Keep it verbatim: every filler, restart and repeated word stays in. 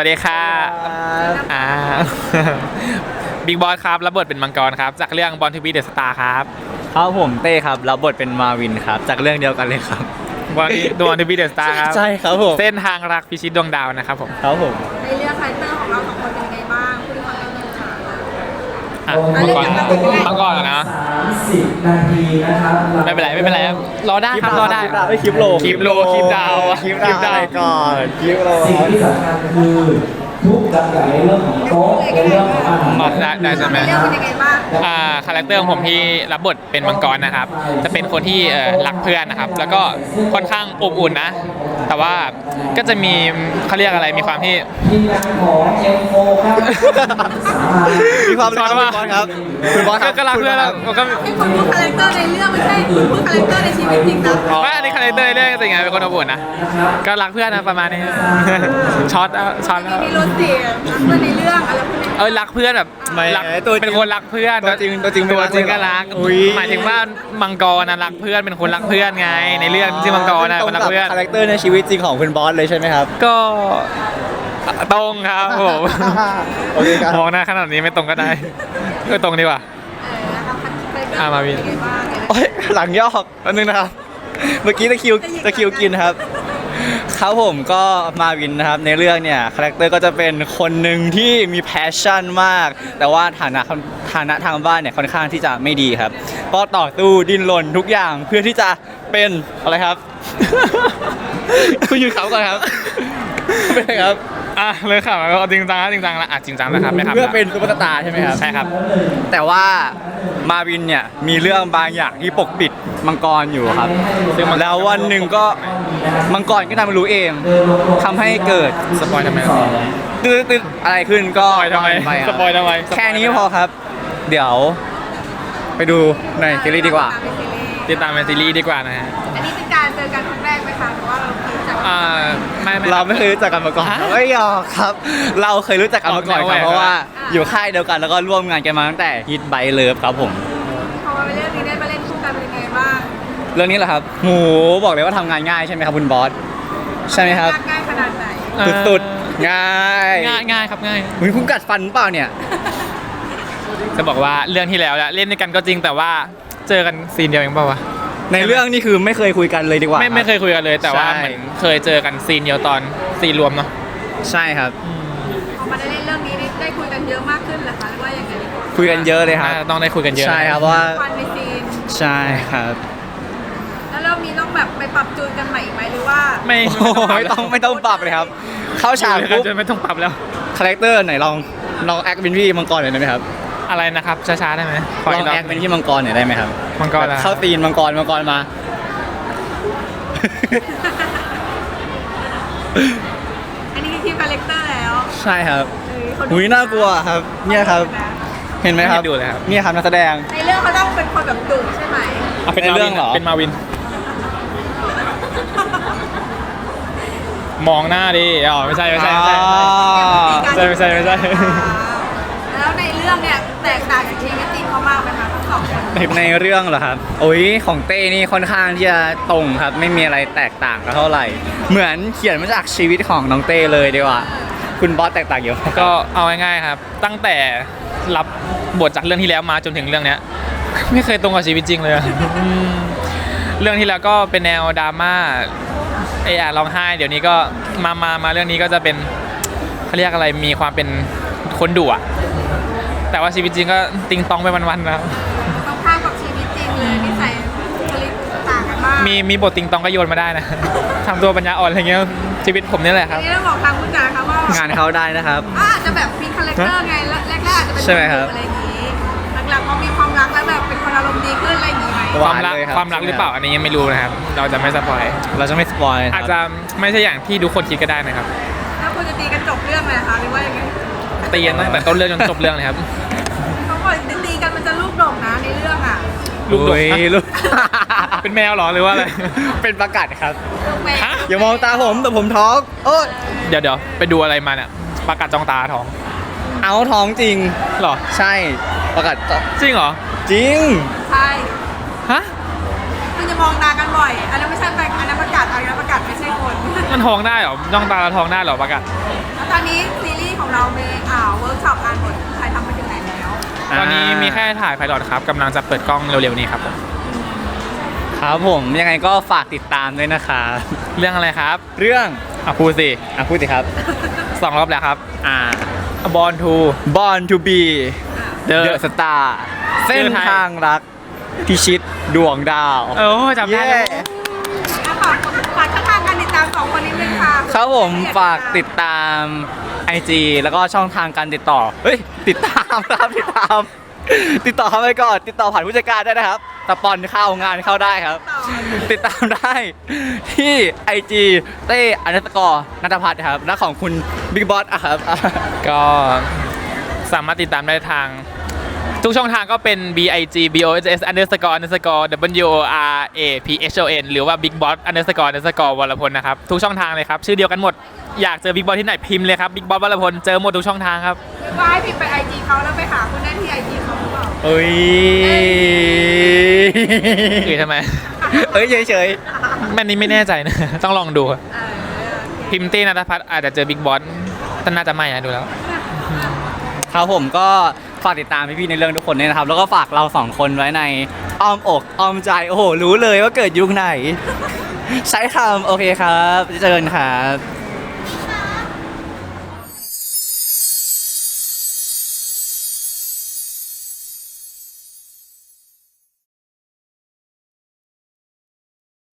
วัสดีค่ะอ่าบิ๊กบอสครับรับบทเป็นมังกรครับจากเรื่องบอลทีวีเดอะสตาร์ครับครับผมเต้ครับรับบทเป็นมาวินครับจากเรื่องเดียวกันเลยครับบอลดวงทีวีเดอะสตาร์ครับใช่ครับผมเส้นทางรักพิชิตดวงดาวนะครับผมครับผมในเรื่องคาแรคเตอร์ของเราสองคนเป็นยังไงบ้างพูดความเป็นจริงอ่ะมังกรมังกรนะสามสิบนาทีนะครับไม่เป็นไรไม่เป็นไรรอได้ครับรอได้ไม่คลิปโลคลิปโลคลิปดาวคลิปดาวก่อนคลิปโลสิ่งที่สำคัญคือทุกอย่างในเรื่องของโต๊ะในเรื่องของอาหารมาได้ได้ใช่ไหมเรื่องเป็นยังไงบ้างอ่าคาแรคเตอร์ของผมที่รับบทเป็นมังกรนะครับจะเป็นคนที่รักเพื่อนนะครับแล้วก็ค่อนข้างอบอุ่นนะแต่ว่าก็จะมีเขาเรียกอะไรมีความที่ทีมงานของเอ็มโฟครับมีความรักว่าครับคุณบอสครับก็รักเพื่อนแล้วก็เป็นคนพูดคาแรคเตอร์ในเรื่องไม่ใช่คนพูดคาแรคเตอร์ในชีวิตจริงนะว่าอันนี้คาแรคเตอร์ในเรื่องจริงๆเป็นคนอบอุ่นนะก็รักเพื่อนนะประมาณนี้ช็อตช็อตมีรถเสียเพื่อนในเรื่องอะไรพวกนี้เออรักเพื่อนแบบรักเป็นคนรักเพื่อนตัวจริงตัวจริงตัวจริงก็รักหมายถึงว่ามังกรนะรักเพื่อนเป็นคนรักเพื่อนไงในเรื่องที่มังกรนะคนรักเพื่อนคาแรคเตอร์ในชีวิตจริงของคุณบอสเลยใช่ไหมครับก็ตรงครับผมโอเคครับมองหน้าขนาดนี้ไม่ตรงก็ได้ก็ตรงดีกว่าอ่ามาวินโอ้ยหลังยอกแป๊บนึงนะครับเมื่อกี้ตะคิวตะคิวกินครับครับผมก็มาวินนะครับในเรื่องเนี่ยคาแรคเตอร์ก็จะเป็นคนหนึ่งที่มีแพชชั่นมากแต่ว่าฐานะฐานะทางบ้านเนี่ยค่อนข้างที่จะไม่ดีครับก็ต่อสู้ดิ้นรนทุกอย่างเพื่อที่จะเป็นอะไรครับคุณยืนเขาก่อนครับเป็นไงครับอ่ะเลยค่ะก็จริงจังจริงจังละอ่ะจริงจังนะครับไม่ครับเพื่อเป็นซุปเปอร์สตาร์ใช่ไหมครับใช่ครับแต่ว่ามาวินเนี่ยมีเรื่องบางอย่างที่ปกปิดมังกรอยู่ครับแล้ววันหนึ่งก็มังกรก็ทำให้รู้เองทำให้เกิดสปอยทำไมตื้อตื้ออะไรขึ้นก็ทำไมสปอยทำไมแค่นี้พอครับเดี๋ยวไปดูในซีรีส์ดีกว่าติดตามในซีรีส์ดีกว่านะฮะอันนี้เป็นการเจอกันครั้งแรกไหมคะหรือว่าเราเคยรู้จักอ่าไม่ไม่เราไม่เคยรู้จักกันมาก่อนไม่ยอมครับเราเคยรู้จักกันมาก่อนครับเพราะว่าอยู่ค่ายเดียวกันแล้วก็ร่วมงานกันมาตั้งแต่ฮิตไบเลิฟครับผมพอมาเป็นเรื่องนี้ได้มาเล่นคู่กันเป็นยังไงบ้างเรื่องนี้แหละครับหมูบอกเลยว่าทำงานง่ายใช่ไหมครับคุณบอสใช่ไหมครับง่ายขนาดไหนสุดๆง่ายง่ายง่ายครับง่ายมึงคุณกัดฟันเปล่าเนี่ยจะบอกว่าเรื่องที่แล้วเล่นด้วยกันก็จริงแต่ว่าเจอกันซีนเดียวเองเปล่าวะในเรื่องนี่คือไม่เคยคุยกันเลยดีกว่าไม่ไม่เคยคุยกันเลยแต่ว่าเหมือนเคยเจอกันซีนเดียวตอนซีนรวมเนาะใช่ครับพอมาได้เล่นเรื่องนี้ได้คุยกันเยอะมากขึ้นเหรอคะหรือว่ายังไงคุยกันเยอะเลยครับต้องได้คุยกันเยอะใช่ครับว่าฟันในซีนใช่ครับแล้วเรามีต้องแบบไปปรับจูนกันใหม่อีกไหมหรือว่าไม่ไม่ต้องไม่ต้องปรับเลยครับเข้าฉากปุ๊บไม่ต้องปรับแล้วคาแรคเตอร์ไหนลองลองแอคเป็นพี่มังกรหน่อยได้ไหมครับอะไรนะครับช้าๆได้ไหมลองแอคเป็นพี่มังกรหน่อยได้ไหมครับมังกรเข้าตีนมังกรมังกรมาอันนี้คือทีมคาแรคเตอร์แล้วใช่ครับหุ้ยน่ากลัวครับเนี่ยครับเห็นไหมครับดูเลยครับเนี่ยครับนักแสดงในเรื่องเขาต้องเป็นคนแบบดุใช่ไหมเป็นเรื่องเหรอเป็นมาวินมองหน้าดิอ๋อไม่ใช่ไม่ใช่ไม่ใช่ไม่ใช่ไม่ใช่แล้วในเรื่องเนี่ยแตกต่างจากชีวิตจริงเขามากไหมคะทั้งสองคนในเรื่องเหรอครับโอ้ยของเต้นี่ค่อนข้างที่จะตรงครับไม่มีอะไรแตกต่างกันเท่าไหร่เหมือนเขียนมาจากชีวิตของน้องเต้เลยดีกว่าคุณบอสแตกต่างเยอะก็เอาง่ายๆครับตั้งแต่รับบทจากเรื่องที่แล้วมาจนถึงเรื่องเนี้ยไม่เคยตรงกับชีวิตจริงเลยเรื่องที่แล้วก็เป็นแนวดราม่าไอ้อะร้องไห้เดี๋ยวนี้ก็มามามาเรื่องนี้ก็จะเป็นเขาเรียกอะไรมีความเป็นคนดุอะแต่ว่าชีวิตจริงก็ติงตองไปวันๆนะครับต้องข้ามกับชีวิตจริงเลยนิสัยผลิตต่างกันมากมีมีบทติงตองก็โยนมาได้นะทำตัวปัญญาอ่อนอะไรเงี้ยชีวิตผมนี่แหละครับนี่ต้องบอกทางผู้จัดนะคะว่างานเขาได้นะครับอาจจะแบบมีคาแรคเตอร์ไงแรกๆอาจจะเป็นอะไรอย่างนี้หลังๆพอมีความรักแล้วแบบเป็นคนอารมณ์ดีขึ้นอะไรอย่างนี้ไหมความรักความรักหรือเปล่าอันนี้ยังไม่รู้นะครับเราจะไม่สปอยเราจะไม่สปอยอาจจะไม่ใช่อย่างที่ทุกคนคิดก็ได้นะครับแล้วคุณจะตีกันจบเรื่องไหมคะหรือว่ายังไงตีกันตั้งแต่ต้นเรื่องจนจบเรื่องเลยครับเขาบอกตีกันมันจะลูกดกนะในเรื่องอ่ะลูกดกเป็นแมวหรอหรือว่าอะไรเป็นประกาศครับฮะอย่ามองตาผมแต่ผมท้องโอ้เดี๋ยวเดี๋ยวไปดูอะไรมาเนี่ยประกาศจ้องตาท้องเอาท้องจริงหรอใช่ประกาศจริงเหรอจริงใช่ฮะคุณจะมองตากันบ่อยอันนั้นไม่ใช่อันนั้นประกาศอันนั้นประกาศไม่ใช่คนมันท้องได้เหรอจ้องตาเราท้องได้เหรอปะกะแล้วตอนนี้ซีรีส์ของเรามีอ่าเวิร์กช็อปอ่านบทใครทำไปถึงไหนแล้วตอนนี้มีแค่ถ่ายไพลอตครับกำลังจะเปิดกล้องเร็วๆนี้ครับผมครับผมยังไงก็ฝากติดตามด้วยนะครับเรื่องอะไรครับเรื่องอ่ะพูดสิอ่ะพูดสิครับสองรอบแล้วครับอ่าบอลทู Born to be The The Star เส้นชื่อไทยทางรักพิชิตดวงดาวเออจำได้เย้แล้วอ่ะฝากฝากช่องทางการติดตามสองคนนี้เลยค่ะครับผมฝากติดตาม ไอ จี แล้วก็ช่องทางการติดต่อ เฮ้ย ติดตามครับ ติดตาม ติดต่อเข้าไปก่อน ติดต่อผ่านผู้จัดการได้นะครับสปอนเข้างานเข้าได้ครับ ติดตามได้ที่ ไอ จี เต้อนัตกรนัทพัฒน์ครับและของคุณบิ๊กบอสอะครับก็สามารถติดตามได้ทาง ทุกช่องทางก็เป็น b i g b o s s underscore underscore w o r a p h o n หรือว่า big boss underscore underscore วรพลนะครับ ทุกช่องทางเลยครับ ชื่อเดียวกันหมด อยากเจอ big boss ที่ไหนพิมพ์เลยครับ big boss วรพลเจอหมดทุกช่องทางครับว่าให้พิมพ์ไปไอจีเขาแล้วไปหาคุณได้ที่ไอจีเขาหรือเปล่าเอ้ยคือทำไมเอ้ยเฉยแม่นี้ไม่แน่ใจนะ ต้องลองดูเออพิมพ์เต้นัทพัฒน์อาจจะเจอ big boss แต่น่าจะไม่นะดูแล้วๆครับผมก็ฝากติดตามพี่ๆในเรื่องทุกคนด้วยนะครับ แล้วก็ฝากเราสองคนไว้ในอ้อมอกอ้อมใจ โอ้โห รู้เลยว่าเกิดยุคไหน ใช้คำโอเคครับเจอกันครับ